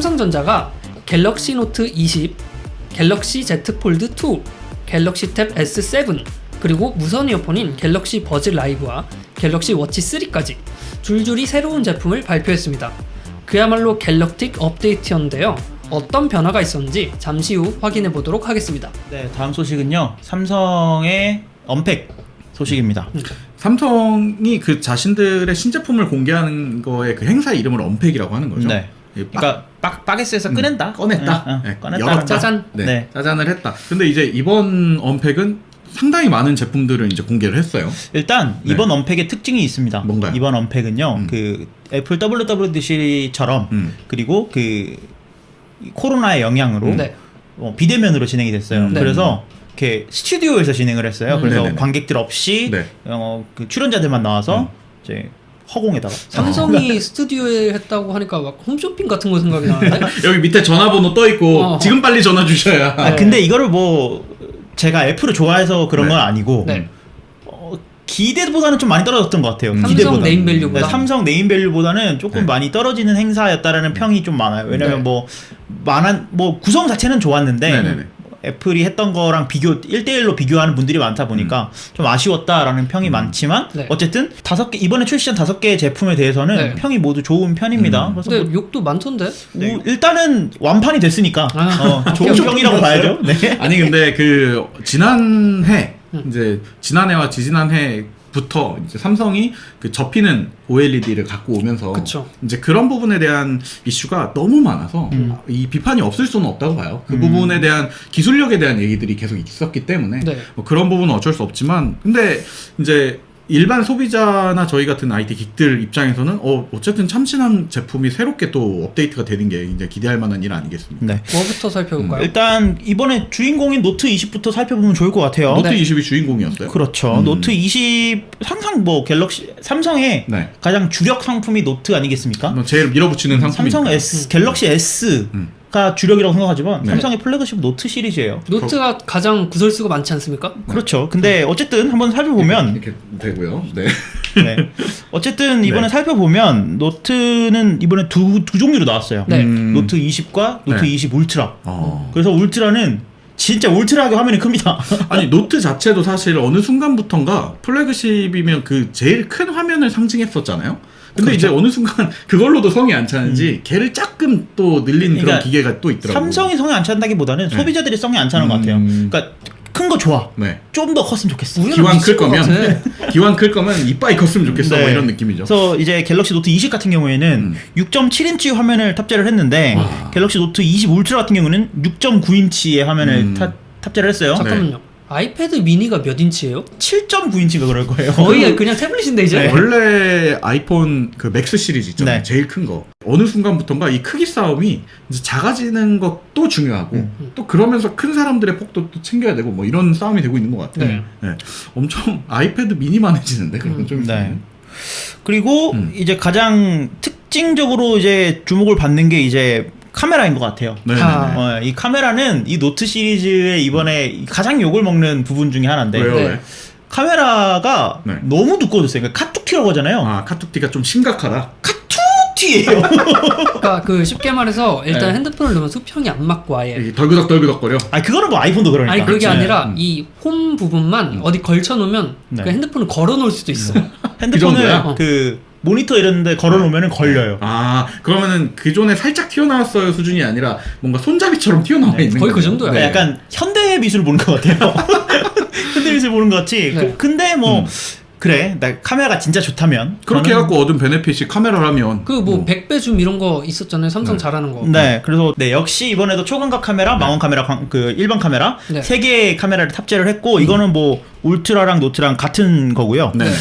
삼성전자가 갤럭시 노트 20, 갤럭시 Z 폴드 2, 갤럭시 탭 S7, 그리고 무선 이어폰인 갤럭시 버즈 라이브와 갤럭시 워치 3까지 줄줄이 새로운 제품을 발표했습니다. 그야말로 갤럭틱 업데이트였는데요. 어떤 변화가 있었는지 잠시 후 확인해 보도록 하겠습니다. 네, 다음 소식은요. 삼성의 언팩 소식입니다. 삼성이 그 자신들의 신제품을 공개하는 거에 그 행사 이름을 언팩이라고 하는 거죠. 네. 그러니까 바게스에서 꺼낸다. 꺼냈다. 네, 꺼냈다. 열었다. 짜잔. 네, 네. 짜잔을 했다. 근데 이제 이번 언팩은 상당히 많은 제품들을 이제 공개를 했어요. 일단 네. 이번 언팩의 특징이 있습니다. 뭔가요? 이번 언팩은요. 그 애플 WWDC처럼 그리고 그 코로나의 영향으로 네. 비대면으로 진행이 됐어요. 네. 그래서 이렇게 스튜디오에서 진행을 했어요. 그래서 네네네. 관객들 없이 네. 그 출연자들만 나와서 이제 허공에다가 삼성이 스튜디오에 했다고 하니까 막 홈쇼핑 같은 거 생각이 나는데? 여기 밑에 전화번호 떠 있고 지금 빨리 전화 주셔야. 아, 근데 이거를 뭐 제가 애플을 좋아해서 그런 네. 건 아니고 네. 기대보다는 좀 많이 떨어졌던 것 같아요. 삼성 기대보다. 네임밸류보다? 네, 삼성 네임밸류보다는 조금 네. 많이 떨어지는 행사였다라는 평이 좀 많아요. 왜냐면 네. 뭐 구성 자체는 좋았는데 네네네. 애플이 했던 거랑 1대1로 비교하는 분들이 많다 보니까 좀 아쉬웠다라는 평이 많지만 네. 어쨌든 이번에 출시한 5개의 제품에 대해서는 네. 평이 모두 좋은 편입니다. 그래서 근데 뭐 욕도 많던데? 일단은 완판이 됐으니까 좋은 오케이, 평이라고 봐야죠. 네. 아니 근데 그 지난해 이제 지난해와 지지난해부터 이제 삼성이 그 접히는 OLED를 갖고 오면서 그쵸. 이제 그런 부분에 대한 이슈가 너무 많아서 이 비판이 없을 수는 없다고 봐요. 그 부분에 대한 기술력에 대한 얘기들이 계속 있었기 때문에 네. 뭐 그런 부분은 어쩔 수 없지만 근데 이제 일반 소비자나 저희 같은 IT 긱들 입장에서는 어쨌든 참신한 제품이 새롭게 또 업데이트가 되는 게 이제 기대할 만한 일 아니겠습니까? 네. 뭐부터 살펴볼까요? 일단 이번에 주인공인 노트 20부터 살펴보면 좋을 것 같아요. 노트 네. 20이 주인공이었어요? 그렇죠. 노트 20 항상 뭐 갤럭시 삼성의 네. 가장 주력 상품이 노트 아니겠습니까? 뭐 제일 밀어붙이는 상품이 삼성 S 갤럭시 S가 주력이라고 생각하지만 네. 삼성의 플래그십 노트 시리즈예요. 노트가 가장 구설수가 많지 않습니까? 그렇죠. 근데 어쨌든 한번 살펴보면 이렇게 되고요. 네. 네. 어쨌든 이번에 네. 살펴보면 노트는 이번에 두 종류로 나왔어요. 네. 노트 20과 노트 네. 20 울트라. 어. 그래서 울트라는 진짜 울트라하게 화면이 큽니다. 아니 노트 자체도 사실 어느 순간부턴가 플래그십이면 그 제일 큰 화면을 상징했었잖아요. 근데 이제 어느 순간 그걸로도 성이 안 차는지 걔를 조금 또 늘린 그런 그러니까 기계가 또 있더라고요. 삼성이 성에 안 찬다기보다는 소비자들이 성에 안 차는 것 같아요. 그러니까 큰 거 좋아. 네. 좀 더 컸으면 좋겠어. 우리는 기왕 클 미칠 것 거면 기왕 클 거면 이빨이 컸으면 좋겠어. 네. 뭐 이런 느낌이죠. 그래서 이제 갤럭시 노트 20 같은 경우에는 6.7인치 화면을 탑재를 했는데 갤럭시 노트 20 울트라 같은 경우는 6.9인치의 화면을 탑재를 했어요. 잠깐만요. 아이패드 미니가 몇 인치예요? 7.9인치가 그럴 거예요. 거의 그냥 태블릿인데 이제? 네. 원래 아이폰 그 맥스 시리즈 있잖아요. 네. 제일 큰 거. 어느 순간부턴가 이 크기 싸움이 이제 작아지는 것도 중요하고 또 그러면서 큰 사람들의 폭도 또 챙겨야 되고 뭐 이런 싸움이 되고 있는 것 같아요. 네. 네. 엄청 아이패드 미니만해지는데 그런 좀. 네. 그리고 이제 가장 특징적으로 이제 주목을 받는 게 이제 카메라인 것 같아요. 네. 아. 이 카메라는 이 노트 시리즈의 이번에 가장 욕을 먹는 부분 중에 하나인데 왜요? 네. 왜? 카메라가 네. 너무 두꺼워졌어요. 그러니까 카툭티라고 하잖아요. 아 카툭티가 좀 심각하다. 카툭티예요. 그러니까 그 쉽게 말해서 일단 네. 핸드폰을 넣으면 수평이 안 맞고 아예. 이게 덜그덕덜그덕거려. 아니 그거는 뭐 아이폰도 그러니까. 아니 그게 그렇지. 아니라 이 홈 부분만 어디 걸쳐 놓으면 네. 그 핸드폰을 걸어 놓을 수도 있어. 핸드폰을 정도야? 그 모니터 이런 데 걸어놓으면 걸려요. 아 그러면은 기존에 살짝 튀어나왔어요 수준이 아니라 뭔가 손잡이처럼 튀어나와 있는 거의 그 거죠. 정도야. 그러니까 약간 현대 미술 보는 것 같아요. 현대 미술 보는 것 같이. 네. 근데 뭐 그래, 나 카메라가 진짜 좋다면 그렇게 저는- 해갖고 얻은 베네핏이 카메라라면 그 뭐 100배 줌 이런 거 있었잖아요. 삼성 잘하는 거. 네, 그래서 네 역시 이번에도 초광각 카메라, 망원 카메라, 그 일반 카메라 네. 세 개의 카메라를 탑재를 했고 이거는 뭐 울트라랑 노트랑 같은 거고요. 네.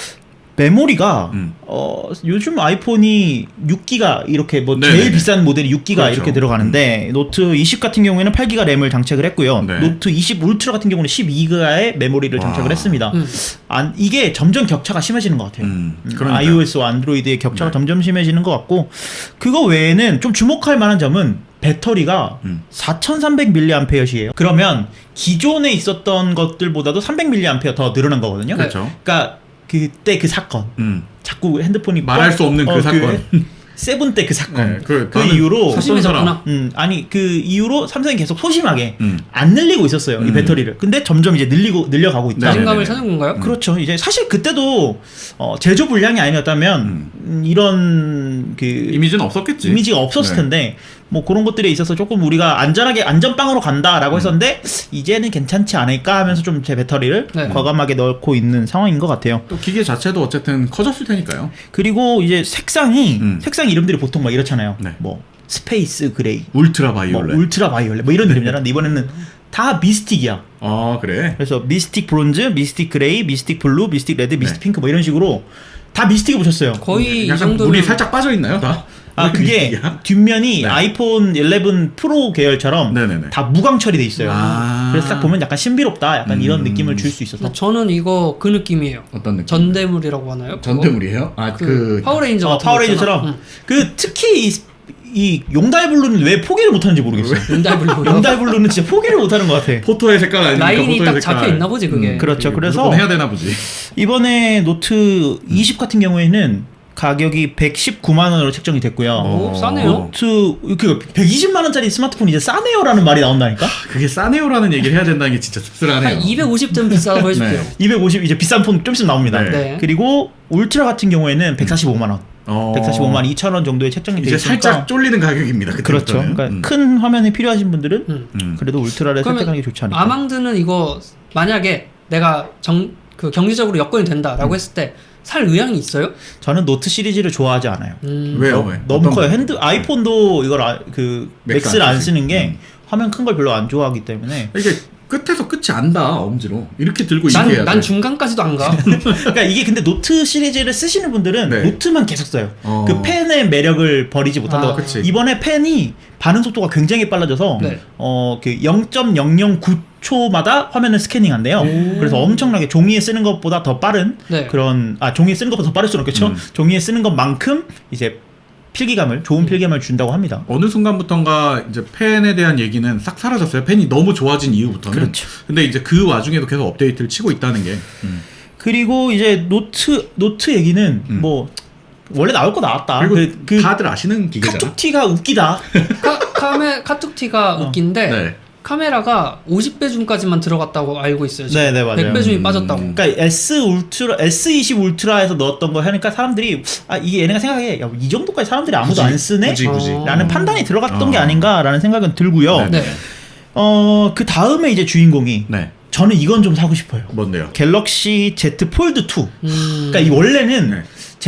메모리가 음. 요즘 아이폰이 6기가 이렇게 뭐 네네네. 제일 비싼 모델이 6기가 그렇죠. 이렇게 들어가는데 노트 20 같은 경우에는 8기가 램을 장착을 했고요. 네. 노트 20 울트라 같은 경우는 12기가의 메모리를 와. 장착을 했습니다. 음. 이게 점점 격차가 심해지는 것 같아요. 그러니까요. iOS와 안드로이드의 격차가 네. 점점 심해지는 것 같고 그거 외에는 좀 주목할 만한 점은 배터리가 4300mAh예요. 그러면 기존에 있었던 것들보다도 300mAh 더 늘어난 거거든요. 그렇죠. 그러니까 그때 그 사건 음. 자꾸 핸드폰이 말할 수 없는 그 사건. 세븐 때 그 사건. 네, 그 나는 이후로 샀던 사람. 아니 그 이후로 삼성이 계속 소심하게 안 늘리고 있었어요. 이 배터리를. 근데 점점 이제 늘려가고 있다. 자신감을 찾는 건가요? 그렇죠. 이제 사실 그때도 제조 불량이 아니었다면 이런 그 이미지는 없었겠지. 이미지가 없었을 네. 텐데 뭐 그런 것들에 있어서 조금 우리가 안전하게 안전빵으로 간다라고 했었는데 이제는 괜찮지 않을까 하면서 좀 제 배터리를 네. 과감하게 넣고 있는 상황인 것 같아요. 또 기계 자체도 어쨌든 커졌을 테니까요. 그리고 이제 색상 이름들이 보통 막 이렇잖아요. 네. 뭐 스페이스 그레이, 울트라 뭐 바이올렛. 울트라 바이올렛 뭐 이런 이름이잖아. 근데 이번에는 다 미스틱이야. 아 그래. 그래서 미스틱 브론즈, 미스틱 그레이, 미스틱 블루, 미스틱 레드, 미스틱 네. 핑크 뭐 이런 식으로 다 미스틱을 붙였어요. 거의 이 약간 정도면 물이 살짝 빠져 있나요, 다? 아 그게 미스틱이야? 뒷면이 네. 아이폰 11 프로 계열처럼 네네네. 다 무광 처리돼 있어요. 아. 그래서 딱 보면 약간 신비롭다, 약간 이런 느낌을 줄 수 있어서. 저는 이거 그 느낌이에요. 어떤 느낌? 전대물이라고 하나요? 그거? 전대물이에요? 아 그 파워레인저 같은 파워레인저처럼 거 있잖아. 그 특히 이 용달블루는 왜 포기를 못하는지 모르겠어요. 용달블루. 용달블루는 진짜 포기를 못하는 것 같아. 포토의 색깔 아니니까 라인이 포토의 딱 색깔. 잡혀 있나 보지 그게. 그렇죠. 그래서 무조건 해야 되나 보지. 이번에 노트 20 같은 경우에는 가격이 119만 원으로 책정이 됐고요. 오, 싸네요. 노트 그 120만 원짜리 스마트폰 이제 싸네요라는 말이 나온다니까. 그게 싸네요라는 얘기를 해야 된다는 게 진짜 씁쓸하네요. 한 250점 비싸다고 해줄게요. 네. 250 이제 비싼 폰 좀 있으면 나옵니다. 네. 네. 그리고 울트라 같은 경우에는 145만 원, 145만 2천 원 정도에 책정이 돼 이제 있으니까 살짝 쫄리는 가격입니다. 그렇죠. 그때부터는. 그러니까 큰 화면이 필요하신 분들은 음. 그래도 울트라를 그러면 선택하는 게 좋지 않을까. 아망드는 이거 만약에 내가 그 경제적으로 여건이 된다라고 했을 때 살 의향이 있어요? 저는 노트 시리즈를 좋아하지 않아요. 왜요? 왜? 너무 어떤 커요. 거? 아이폰도 이걸 그 맥스 맥스를 안 안 쓰지. 쓰는 게 화면 큰 걸 별로 안 좋아하기 때문에. 이게 끝에서 끝이 안다 엄지로 이렇게 들고 이렇게 해야 난 돼. 중간까지도 안 가. 그러니까 이게 근데 노트 시리즈를 쓰시는 분들은 네. 노트만 계속 써요. 어. 그 펜의 매력을 버리지 못한다고. 아, 그치. 이번에 펜이 반응 속도가 굉장히 빨라져서 네. 그 0.009초마다 화면을 스캐닝한대요. 그래서 엄청나게 종이에 쓰는 것보다 더 빠른 네. 그런 종이에 쓰는 것보다 더 빠를 수는 없겠죠. 종이에 쓰는 것만큼 이제 좋은 필기감을 준다고 합니다. 어느 순간부턴가 이제 펜에 대한 얘기는 싹 사라졌어요. 펜이 너무 좋아진 이후부터는. 그렇죠. 근데 이제 그 와중에도 계속 업데이트를 치고 있다는 게. 그리고 이제 노트 얘기는 뭐 원래 나올 거 나왔다. 그리고 그 다들 아시는 기계잖아. 카툭티가 웃기다. 카툭티가 웃긴데 네. 카메라가 50배 줌까지만 들어갔다고 알고 있어요. 지금. 네, 맞아요. 100배 줌이 빠졌다고. 그러니까 S20 울트라에서 넣었던 거 하니까 사람들이 이게 얘네가 생각해 야, 이 정도까지 사람들이 아무도 안 쓰네? 굳이. 라는 판단이 들어갔던 게 아닌가라는 생각은 들고요. 네. 그 다음에 이제 주인공이 네. 저는 이건 좀 사고 싶어요. 뭔데요? 갤럭시 Z 폴드 2. 그러니까 이 원래는 네.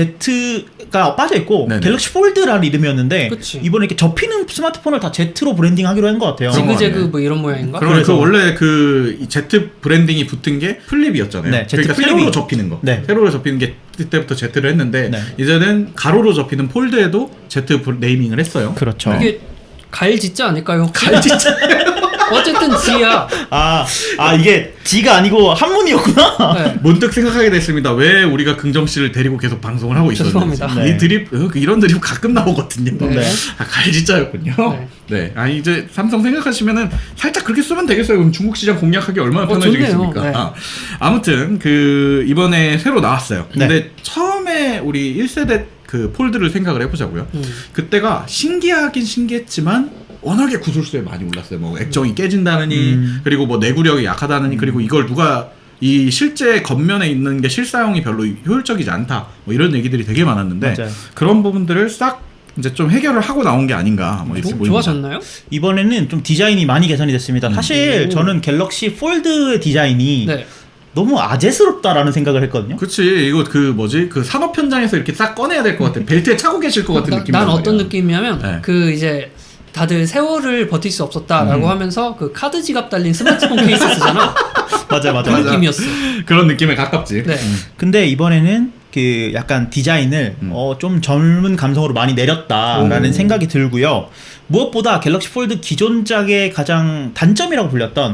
Z가 빠져 있고 네네. 갤럭시 폴드라는 이름이었는데 그치. 이번에 이렇게 접히는 스마트폰을 다 Z로 브랜딩하기로 한 것 같아요. 그런 거 지그재그 같네. 뭐 이런 모양인가? 그러면 그래서- 그 원래 그 Z 브랜딩이 붙은 게 플립이었잖아요. 네, Z 그러니까 플립이- 세로로 접히는 거. 네. 세로로 접히는 게 그때부터 Z를 했는데 네. 이제는 가로로 접히는 폴드에도 Z 네이밍을 했어요. 그렇죠. 이게 갈 짓자 아닐까요? 혹시? 갈 진짜. 어쨌든 G야. 이게 G가 아니고 한문이었구나. 네. 문득 생각하게 됐습니다. 왜 우리가 긍정 씨를 데리고 계속 방송을 하고 있었는지. 죄송합니다. 네. 이 드립 이런 드립 가끔 나오거든요. 네. 갈지자였군요. 네. 네. 아니 이제 삼성 생각하시면은 살짝 그렇게 쓰면 되겠어요. 그럼 중국 시장 공략하기 얼마나 편해지겠습니까? 좋네요. 네. 아무튼 그 이번에 새로 나왔어요. 네. 근데 처음에 우리 1세대 그 폴드를 생각을 해보자고요. 그때가 신기하긴 신기했지만 워낙에 구술수에 많이 올랐어요. 뭐 액정이 깨진다느니 그리고 뭐 내구력이 약하다느니 그리고 이걸 누가 이 실제 겉면에 있는 게 실사용이 별로 효율적이지 않다. 뭐 이런 얘기들이 되게 많았는데 맞아요. 그런 부분들을 싹 이제 좀 해결을 하고 나온 게 아닌가 뭐 이렇게 보입니다. 좋아졌나요? 이번에는 좀 디자인이 많이 개선이 됐습니다. 사실 저는 갤럭시 폴드의 디자인이 네. 너무 아재스럽다라는 생각을 했거든요. 그치 이거 그 뭐지 그 산업 현장에서 이렇게 싹 꺼내야 될 것 같아. 벨트에 차고 계실 것 같은 느낌. 난 어떤 느낌이냐면 네. 그 이제 다들 세월을 버틸 수 없었다라고 하면서 그 카드 지갑 달린 스마트폰 케이스 쓰잖아. 맞아. 그 느낌이었어. 그런 느낌에 가깝지. 네. 근데 이번에는 그 약간 디자인을 좀 젊은 감성으로 많이 내렸다라는 생각이 들고요. 무엇보다 갤럭시 폴드 기존작의 가장 단점이라고 불렸던 네.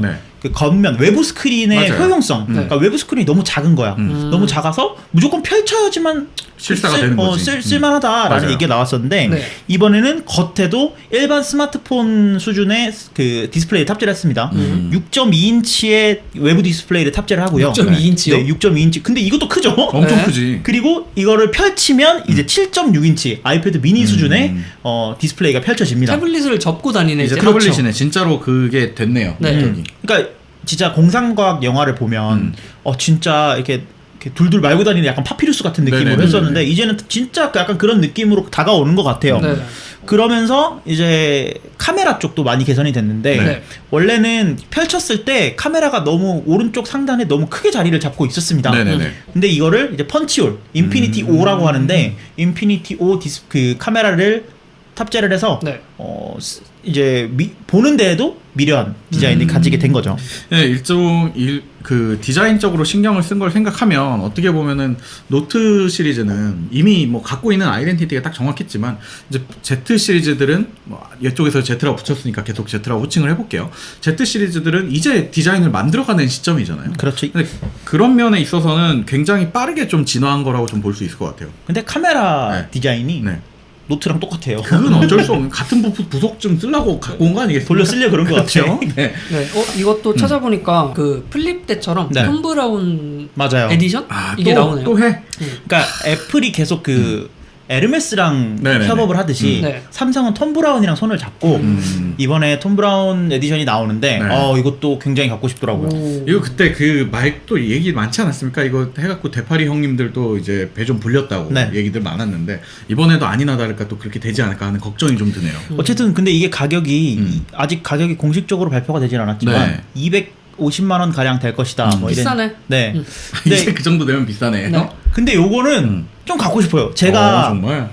그 겉면 외부 스크린의 맞아요. 효용성. 그러니까 외부 스크린이 너무 작은 거야. 너무 작아서 무조건 펼쳐야지만 실사가 되는 거지. 쓸만하다라는 맞아요. 얘기가 나왔었는데 네. 이번에는 겉에도 일반 스마트폰 수준의 그 디스플레이를 탑재를 했습니다. 6.2인치의 외부 디스플레이를 탑재를 하고요. 6.2인치요? 네, 6.2인치. 근데 이것도 크죠? 엄청 네. 크지. 그리고 이거를 펼치면 이제 7.6인치 아이패드 미니 수준의 디스플레이가 펼쳐집니다. 태블릿을 접고 다니네 이제 이제. 타블릿이네. 진짜로 그게 됐네요. 네. 저기. 그러니까 진짜 공상과학 영화를 보면 진짜 이렇게 둘둘 말고 다니는 약간 파피루스 같은 느낌으로 네네네네. 했었는데 이제는 진짜 약간 그런 느낌으로 다가오는 것 같아요. 네. 그러면서 이제 카메라 쪽도 많이 개선이 됐는데 네. 원래는 펼쳤을 때 카메라가 너무 오른쪽 상단에 너무 크게 자리를 잡고 있었습니다. 네네네. 근데 이거를 이제 펀치홀, 인피니티 O라고 하는데 인피니티 O 그 카메라를 탑재를 해서 네. 이제 보는 데에도 미려한 디자인을 가지게 된 거죠. 네, 그 디자인적으로 신경을 쓴 걸 생각하면 어떻게 보면은 노트 시리즈는 이미 뭐 갖고 있는 아이덴티티가 딱 정확했지만 이제 Z 시리즈들은 뭐 이쪽에서 Z라고 붙였으니까 계속 Z라고 호칭을 해볼게요. Z 시리즈들은 이제 디자인을 만들어가는 시점이잖아요. 그렇죠. 근데 그런 면에 있어서는 굉장히 빠르게 좀 진화한 거라고 좀 볼 수 있을 것 같아요. 근데 카메라 네. 디자인이 네. 노트랑 똑같아요. 그건 어쩔 수 없는 같은 부속 좀 쓰려고 갖고 온 거 아니겠습니까? 돌려 쓰려 그런 것 같아요. 네. 네. 이것도 찾아보니까 그 플립 때처럼 네. 톰 브라운 맞아요. 에디션 이게 나오네요. 또 해. 그러니까 애플이 계속 그 에르메스랑 네네네. 협업을 하듯이 네. 삼성은 톰 브라운이랑 손을 잡고 이번에 톰 브라운 에디션이 나오는데 네. 이것도 굉장히 갖고 싶더라고요. 오. 이거 그때 그 말도 얘기 많지 않았습니까? 이거 해갖고 대파리 형님들도 이제 배 좀 불렸다고 네. 얘기들 많았는데 이번에도 아니나 다를까 또 그렇게 되지 않을까 하는 걱정이 좀 드네요. 어쨌든 근데 이게 가격이 아직 가격이 공식적으로 발표가 되진 않았지만 네. 250만 원 가량 될 것이다. 뭐 이런. 비싸네. 네. 이제 근데, 그 정도 되면 비싸네. 네. 근데 요거는 좀 갖고 싶어요. 제가 정말.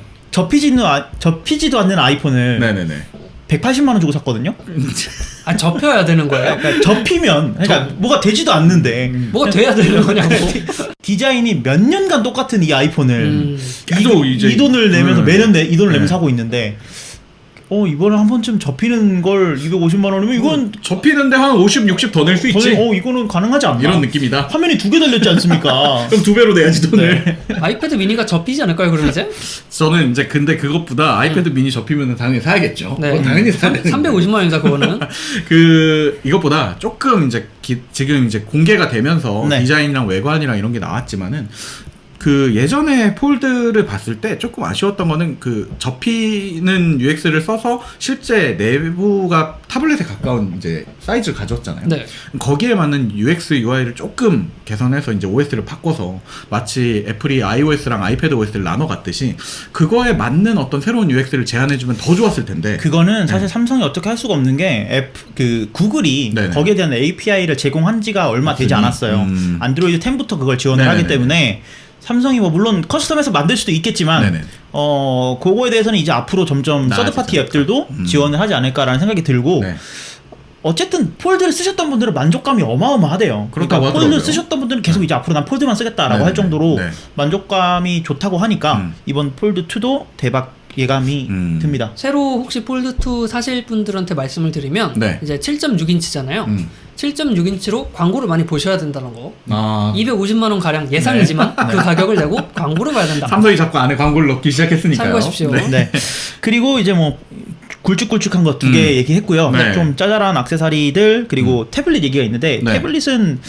접히지도 않는 아이폰을 네네네. 180만 원 주고 샀거든요. 아 접혀야 되는 거예요? 그러니까 접히면 그러니까 뭐가 되지도 않는데 뭐가 돼야 되는 거냐고. 디자인이 몇 년간 똑같은 이 아이폰을 계속 이제 이 돈을 내면서 매년 이 돈을 네. 내면서 사고 있는데 이번에 한 번쯤 접히는 걸 250만 원이면 이건 접히는데 한 50, 60 더 낼 수 있지. 이거는 가능하지 않나? 이런 느낌이다. 화면이 2개 달렸지 않습니까? 그럼 2배로 내야지 돈을. 아이패드 미니가 접히지 않을까요, 그럼 이제? 저는 이제 근데 그것보다 아이패드 미니 접히면 당연히 사야겠죠. 네. 그건 당연히 사야 되는데. 350만 원이다 그거는. 그 이것보다 조금 이제 지금 이제 공개가 되면서 네. 디자인이랑 외관이랑 이런 게 나왔지만은 그 예전에 폴드를 봤을 때 조금 아쉬웠던 거는 그 접히는 UX를 써서 실제 내부가 타블렛에 가까운 이제 사이즈를 가졌잖아요. 네. 거기에 맞는 UX, UI를 조금 개선해서 이제 OS를 바꿔서 마치 애플이 iOS랑 아이패드 OS를 나눠 갔듯이 그거에 맞는 어떤 새로운 UX를 제안해주면 더 좋았을 텐데. 그거는 사실 삼성이 어떻게 할 수가 없는 게 구글이 네네. 거기에 대한 API를 제공한 지가 얼마 되지 않았어요. 안드로이드 10부터 그걸 지원을 네네네. 하기 때문에 삼성이 뭐 물론 커스텀해서 만들 수도 있겠지만 네네. 그거에 대해서는 이제 앞으로 점점 나아지지 서드파티 않을까. 앱들도 지원을 하지 않을까라는 생각이 들고 네. 어쨌든 폴드를 쓰셨던 분들은 만족감이 어마어마하대요. 그렇다고 그러니까 폴드 하더라고요. 쓰셨던 분들은 계속 이제 앞으로 난 폴드만 쓰겠다라고 네네. 할 정도로 네. 만족감이 좋다고 하니까 이번 폴드 2도 대박 예감이 듭니다. 새로 혹시 폴드 2 사실 분들한테 말씀을 드리면 네. 이제 7.6인치잖아요. 7.6인치로 광고를 많이 보셔야 된다는 거. 아. 250만 원 가량 예상이지만 그 가격을 내고 광고를 봐야 된다. 삼성이 자꾸 안에 광고를 넣기 시작했으니까요. 참고하십시오. 네. 네. 그리고 이제 뭐 굵직굵직한 거 2개 얘기했고요. 네. 좀 짜잘한 액세서리들 그리고 태블릿 얘기가 있는데 네. 태블릿은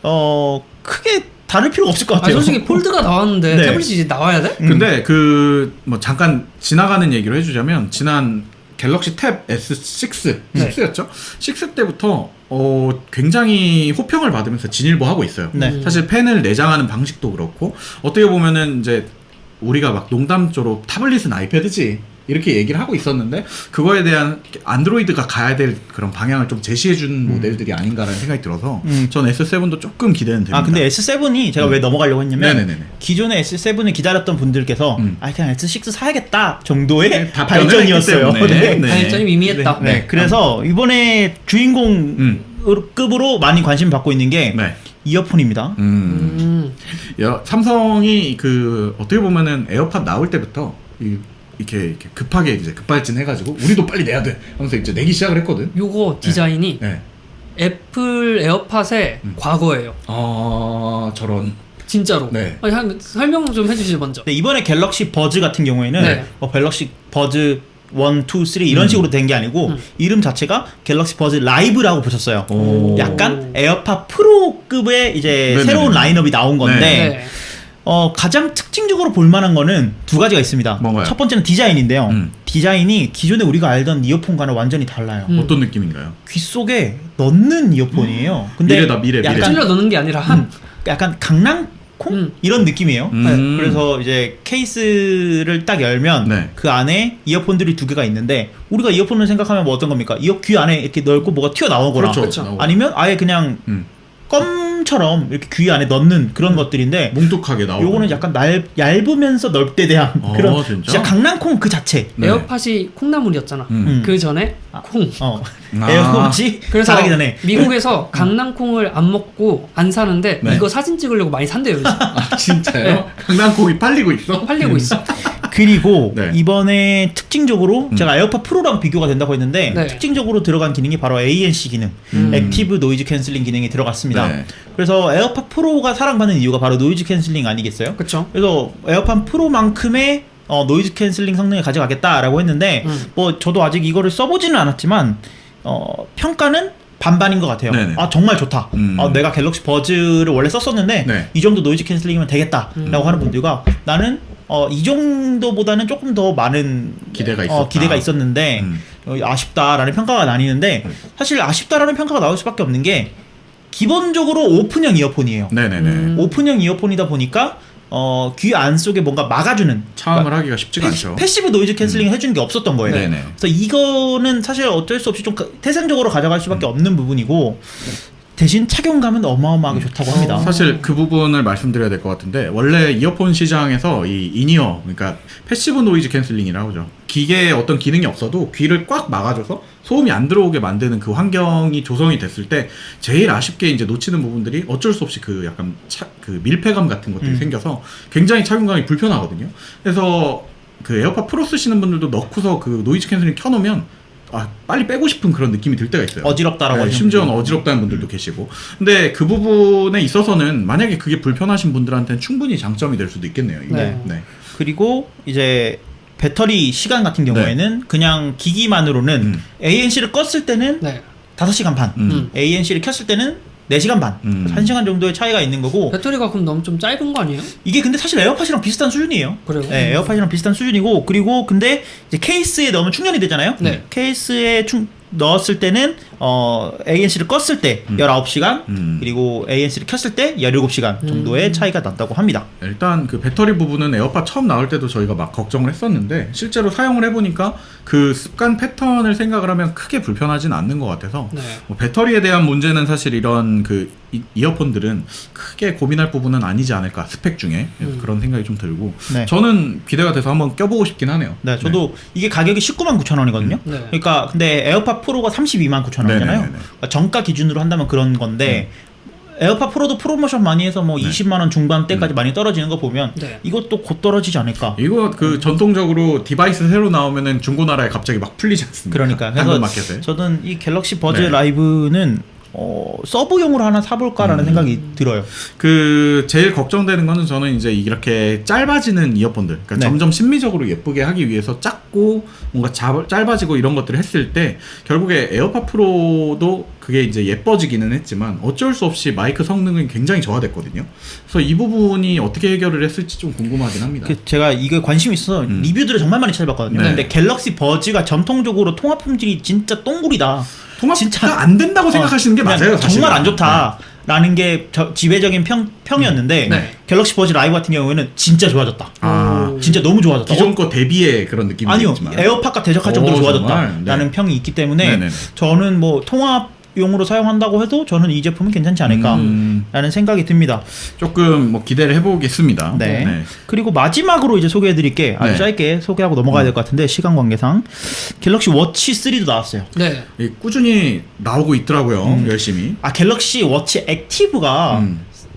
크게 다를 필요가 없을 것 아, 같아요. 솔직히 폴드가 나왔는데 네. 태블릿이 이제 나와야 돼? 근데 그 뭐 잠깐 지나가는 얘기를 해주자면 지난 갤럭시 탭 S6, 네. 6였죠? 6 때부터 굉장히 호평을 받으면서 진일보하고 있어요. 네. 사실 펜을 내장하는 방식도 그렇고 어떻게 보면은 이제 우리가 막 농담조로 타블릿은 아이패드지 이렇게 얘기를 하고 있었는데 그거에 대한 안드로이드가 가야 될 그런 방향을 좀 제시해준 모델들이 아닌가라는 생각이 들어서 전 S7도 조금 기대는 됩니다. 근데 S7이 제가 왜 넘어가려고 했냐면 네네네네. 기존의 S7을 기다렸던 분들께서 그냥 S6 사야겠다 정도의 네, 답변을 발전이었어요. 했기 때문에. 네. 네. 발전이 미미했다. 네. 그래서 이번에 주인공급으로 많이 관심 받고 있는 게 네. 이어폰입니다. 삼성이 그 어떻게 보면은 에어팟 나올 때부터 이렇게 급하게 이제 급발진 해가지고 우리도 빨리 내야 돼 하면서 이제 내기 시작을 했거든. 요거 디자인이 네. 애플 에어팟의 과거예요. 아 저런. 진짜로. 네. 아니, 설명 좀 해주시죠 먼저. 네, 이번에 갤럭시 버즈 같은 경우에는 네. 갤럭시 버즈 1, 2, 3 이런 식으로 된 게 아니고 이름 자체가 갤럭시 버즈 라이브라고 붙였어요. 오. 약간 에어팟 프로급의 이제 네네네. 새로운 라인업이 나온 건데 네. 가장 특징적으로 볼만한 거는 두 가지가 있습니다. 뭔가요? 첫 번째는 디자인인데요. 음. 디자인이 기존에 우리가 알던 이어폰과는 완전히 달라요. 어떤 느낌인가요? 귀 속에 넣는 이어폰이에요. 근데 미래다, 미래. 약간, 찔러 넣는 게 아니라 약간 강낭콩 이런 느낌이에요. 그래서 이제 케이스를 딱 열면 네. 그 안에 이어폰들이 두 개가 있는데 우리가 이어폰을 생각하면 뭐 어떤 겁니까? 귀 안에 이렇게 넓고 뭐가 튀어나오거나 그렇죠. 아니면 아예 그냥 껌처럼 이렇게 귀 안에 넣는 그런 것들인데 뭉툭하게 나오고. 요거는 약간 얇으면서 넓게 대한 그런 진짜? 강낭콩 그 자체. 네. 에어팟이 콩나물이었잖아. 그 전에 콩. 에어팟이 그래서 잘하기 전에 미국에서 강낭콩을 안 먹고 안 사는데 네. 이거 사진 찍으려고 많이 산대요. 요즘. 아 진짜요? 네. 강낭콩이 팔리고 있어? 팔리고 있어. 그리고 네. 이번에 특징적으로 제가 에어팟 프로랑 비교가 된다고 했는데 네. 특징적으로 들어간 기능이 바로 ANC 기능, 액티브 노이즈 캔슬링 기능이 들어갔습니다. 네. 그래서 에어팟 프로가 사랑받는 이유가 바로 노이즈 캔슬링 아니겠어요? 그렇죠. 그래서 에어팟 프로만큼의 노이즈 캔슬링 성능을 가져가겠다라고 했는데 뭐 저도 아직 이거를 써보지는 않았지만 평가는 반반인 것 같아요. 네네. 아 정말 좋다. 내가 갤럭시 버즈를 원래 썼었는데 네. 이 정도 노이즈 캔슬링이면 되겠다라고 하는 분들과 나는 이 정도보다는 조금 더 많은 기대가 있었다. 기대가 있었는데 아쉽다라는 평가가 나뉘는데 사실 아쉽다라는 평가가 나올 수밖에 없는 게 기본적으로 오픈형 이어폰이에요. 네네네. 오픈형 이어폰이다 보니까 귀 안쪽에 뭔가 막아주는 차음을 하기가 쉽지가 않죠. 패시브 노이즈 캔슬링을 해주는 게 없었던 거예요. 네네. 그래서 이거는 사실 어쩔 수 없이 좀 태생적으로 가져갈 수밖에 없는 부분이고 대신 착용감은 어마어마하게 좋다고 합니다. 사실 그 부분을 말씀드려야 될 것 같은데 원래 이어폰 시장에서 이 인이어 그러니까 패시브 노이즈 캔슬링이라고 하죠. 기계에 어떤 기능이 없어도 귀를 꽉 막아줘서 소음이 안 들어오게 만드는 그 환경이 조성이 됐을 때 제일 아쉽게 이제 놓치는 부분들이 어쩔 수 없이 그 약간 그 밀폐감 같은 것들이 생겨서 굉장히 착용감이 불편하거든요. 그래서 그 에어팟 프로 쓰시는 분들도 넣고서 그 노이즈 캔슬링 켜놓으면 빨리 빼고 싶은 그런 느낌이 들 때가 있어요. 어지럽다라고 하시는 심지어는 어지럽다는 분들도 계시고. 근데 그 부분에 있어서는 만약에 그게 불편하신 분들한테는 충분히 장점이 될 수도 있겠네요. 이게. 네. 네. 그리고 이제 배터리 시간 같은 경우에는 그냥 기기만으로는 ANC를 껐을 때는 네. 5시간 반, ANC를 켰을 때는 4시간 반, 1시간 정도의 차이가 있는 거고 배터리가 그럼 너무 좀 짧은 거 아니에요? 이게 근데 사실 에어팟이랑 비슷한 수준이에요. 그래요? 네, 에어팟이랑 비슷한 수준이고 그리고 근데 이제 케이스에 넣으면 충전이 되잖아요. 네. 케이스에 넣었을 때는 ANC를 껐을 때 19시간 그리고 ANC를 켰을 때 17시간 정도의 차이가 난다고 합니다. 일단 그 배터리 부분은 에어팟 처음 나올 때도 저희가 막 걱정을 했었는데 실제로 사용을 해보니까 그 습관 패턴을 생각을 하면 크게 불편하진 않는 것 같아서 네. 뭐 배터리에 대한 문제는 사실 이런 그 이어폰들은 크게 고민할 부분은 아니지 않을까 스펙 중에 그래서 그런 생각이 좀 들고 네. 저는 기대가 돼서 한번 껴보고 싶긴 하네요. 네, 저도 이게 가격이 199,000원이거든요. 네. 그러니까 근데 에어팟 프로가 329,000원이잖아요. 네네네네. 그러니까 정가 기준으로 한다면 그런 건데 에어팟 프로도 프로모션 많이 해서 뭐 20만 원 중반대까지 많이 떨어지는 거 보면 네. 이것도 곧 떨어지지 않을까. 이거 그 전통적으로 디바이스 새로 나오면은 중고나라에 갑자기 막 풀리지 않습니까? 그러니까 당근마켓에. 저는 이 갤럭시 버즈 네. 라이브는 서브용으로 하나 사볼까라는 생각이 들어요. 그 제일 걱정되는 거는 저는 이제 이렇게 짧아지는 이어폰들, 그러니까 네. 점점 심미적으로 예쁘게 하기 위해서 작고 뭔가 짧아지고 이런 것들을 했을 때 결국에 에어팟 프로도 그게 이제 예뻐지기는 했지만 어쩔 수 없이 마이크 성능은 굉장히 저하됐거든요. 그래서 이 부분이 어떻게 해결을 했을지 좀 궁금하긴 합니다. 제가 이거에 관심이 있어서 리뷰들을 정말 많이 찾아봤거든요. 네. 근데 갤럭시 버즈가 전통적으로 통합 품질이 진짜 똥구리다. 통합가 진짜 안 된다고 생각하시는 게 그냥 맞아요. 사실은. 정말 안 좋다라는 게 지배적인 평이었는데 네. 갤럭시 버즈 라이브 같은 경우에는 진짜 좋아졌다. 아, 진짜 너무 좋아졌다. 기존 거 대비의 그런 느낌이 아니요, 있지만. 에어팟과 대적할 정도로 정말? 좋아졌다라는 네. 평이 있기 때문에 네네네. 저는 뭐 통합용으로 사용한다고 해도 저는 이 제품은 괜찮지 않을까라는 생각이 듭니다. 조금 뭐 기대를 해보겠습니다. 네. 그리고 마지막으로 이제 소개해드릴 게 아주 네. 짧게 소개하고 넘어가야 될 것 같은데 시간 관계상 갤럭시 워치 3도 나왔어요. 네. 꾸준히 나오고 있더라고요. 열심히. 갤럭시 워치 액티브가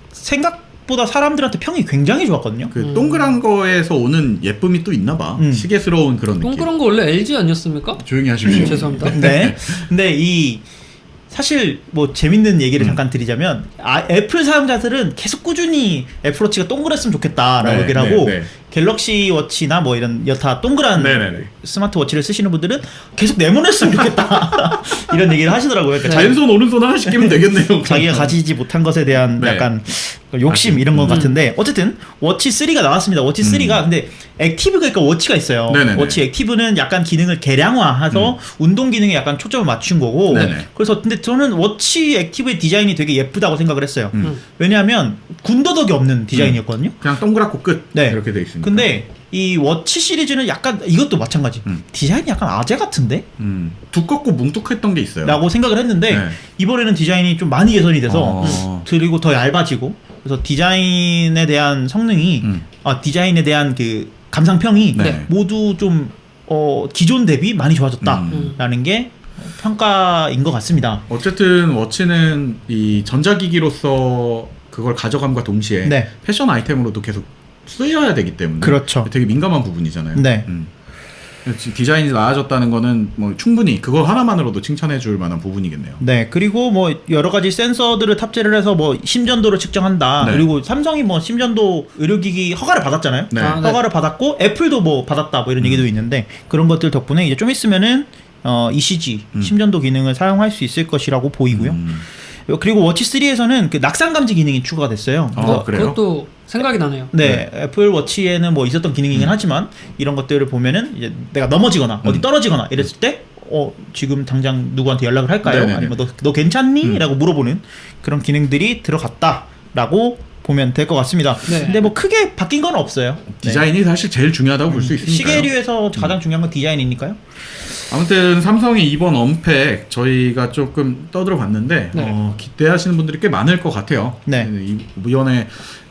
생각보다 사람들한테 평이 굉장히 좋았거든요. 그 동그란 거에서 오는 예쁨이 또 있나 봐. 시계스러운 그런 느낌. 동그란 거 원래 LG 아니었습니까? 조용히 하십시오. 죄송합니다. 네. 근데 이 사실 뭐 재밌는 얘기를 잠깐 드리자면 애플 사용자들은 계속 꾸준히 애플워치가 동그랬으면 좋겠다라고 네, 얘기를 하고 네, 네. 갤럭시 워치나 뭐 이런 여타 동그란 네네네. 스마트워치를 쓰시는 분들은 계속 네모냈으면 좋겠다 이런 얘기를 하시더라고요. 그러니까 왼손 오른손 하나씩 끼면 되겠네요. 자기가 가지지 못한 것에 대한 네. 약간 욕심 이런 것 같은데 어쨌든 워치 3가 나왔습니다. 워치 3가 근데 액티브가 그러니까 워치가 있어요. 네네네. 워치 액티브는 약간 기능을 개량화해서 운동 기능에 약간 초점을 맞춘 거고 네네. 그래서 근데 저는 워치 액티브의 디자인이 되게 예쁘다고 생각을 했어요. 음. 왜냐하면 군더더기 없는 디자인이었거든요. 그냥 동그랗고 끝. 네. 이렇게 돼 있으니까. 근데 이 워치 시리즈는 약간 이것도 마찬가지. 디자인이 약간 아재 같은데? 두껍고 뭉툭했던 게 있어요. 라고 생각을 했는데 네. 이번에는 디자인이 좀 많이 개선이 돼서 어. 그리고 더 얇아지고 그래서 디자인에 대한 성능이 디자인에 대한 그 감상평이 네. 모두 좀 기존 대비 많이 좋아졌다라는 게 평가인 것 같습니다. 어쨌든 워치는 이 전자기기로서 그걸 가져감과 동시에 네. 패션 아이템으로도 계속 쓰여야 되기 때문에 그렇죠. 되게 민감한 부분이잖아요. 네. 디자인이 나아졌다는 거는 뭐 충분히 그거 하나만으로도 칭찬해 줄 만한 부분이겠네요. 네, 그리고 뭐 여러 가지 센서들을 탑재를 해서 뭐 심전도를 측정한다. 네. 그리고 삼성이 뭐 심전도 의료기기 허가를 받았잖아요. 네. 아, 네. 허가를 받았고 애플도 뭐 받았다 뭐 이런 얘기도 있는데 그런 것들 덕분에 이제 좀 있으면은 ECG 심전도 기능을 사용할 수 있을 것이라고 보이고요. 그리고 워치 3에서는 그 낙상 감지 기능이 추가가 됐어요. 그래요? 그것도 생각이 나네요. 네, 애플 워치에는 뭐 있었던 기능이긴 하지만 이런 것들을 보면은 이제 내가 넘어지거나 어디 떨어지거나 이랬을 때 지금 당장 누구한테 연락을 할까요? 네네네. 아니면 너 괜찮니? 라고 물어보는 그런 기능들이 들어갔다라고 보면 될 것 같습니다. 네. 근데 뭐 크게 바뀐 건 없어요. 디자인이 사실 제일 중요하다고 볼 수 있으니까요. 시계류에서 가장 중요한 건 디자인이니까요. 아무튼 삼성이 이번 언팩 저희가 조금 떠들어 봤는데 네. 기대하시는 분들이 꽤 많을 것 같아요. 네. 이번에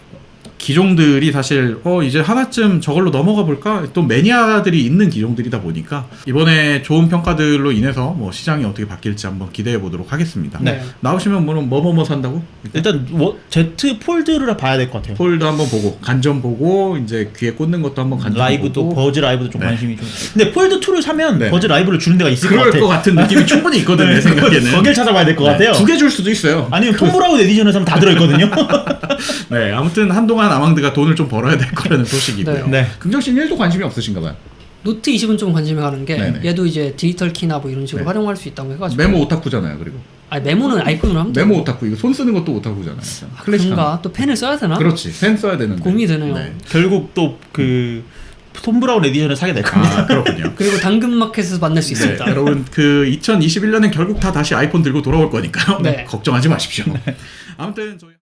기종들이 사실 이제 하나쯤 저걸로 넘어가 볼까? 또 매니아들이 있는 기종들이다 보니까 이번에 좋은 평가들로 인해서 뭐 시장이 어떻게 바뀔지 한번 기대해 보도록 하겠습니다. 네. 나오시면 뭐 산다고? 일단 Z 폴드를 봐야 될 것 같아요. 폴드 한번 보고 간접 보고 이제 귀에 꽂는 것도 한번 간접 라이브도 보고 버즈 라이브도 좀 네. 관심이 좀. 근데 폴드 2를 사면 네. 버즈 라이브를 주는 데가 있을 것 그럴 같아. 것 같은 느낌이 충분히 있거든 내 생각에는. 거길 찾아봐야 될 것 같아요. 2개 줄 수도 있어요. 아니면 톰 브라운 에디션을 사면 다 들어있거든요. 네, 아무튼 한동안 아망드가 돈을 좀 벌어야 될 거라는 소식이고요. 네. 긍정 씨는 1도 관심이 없으신가 봐요. 노트 20은 좀 관심이 가는 게 네네. 얘도 이제 디지털 키나 뭐 이런 식으로 네. 활용할 수 있다고 해가지고 메모 오타쿠잖아요. 그리고 아니 메모는 아이폰으로 하면 메모 되고. 오타쿠 이거 손 쓰는 것도 오타쿠잖아요. 그런가 또 펜을 써야 되나? 그렇지. 펜 써야 되는데. 고민이 되네요. 결국 또 그 톰 브라운 에디션을 사게 될 겁니다. 아, 그렇군요. 그리고 당근마켓에서 만날 수 있습니다. 네, 여러분 그 2021년엔 결국 다 다시 아이폰 들고 돌아올 거니까요. 네. 걱정하지 마십시오. 아무튼 저희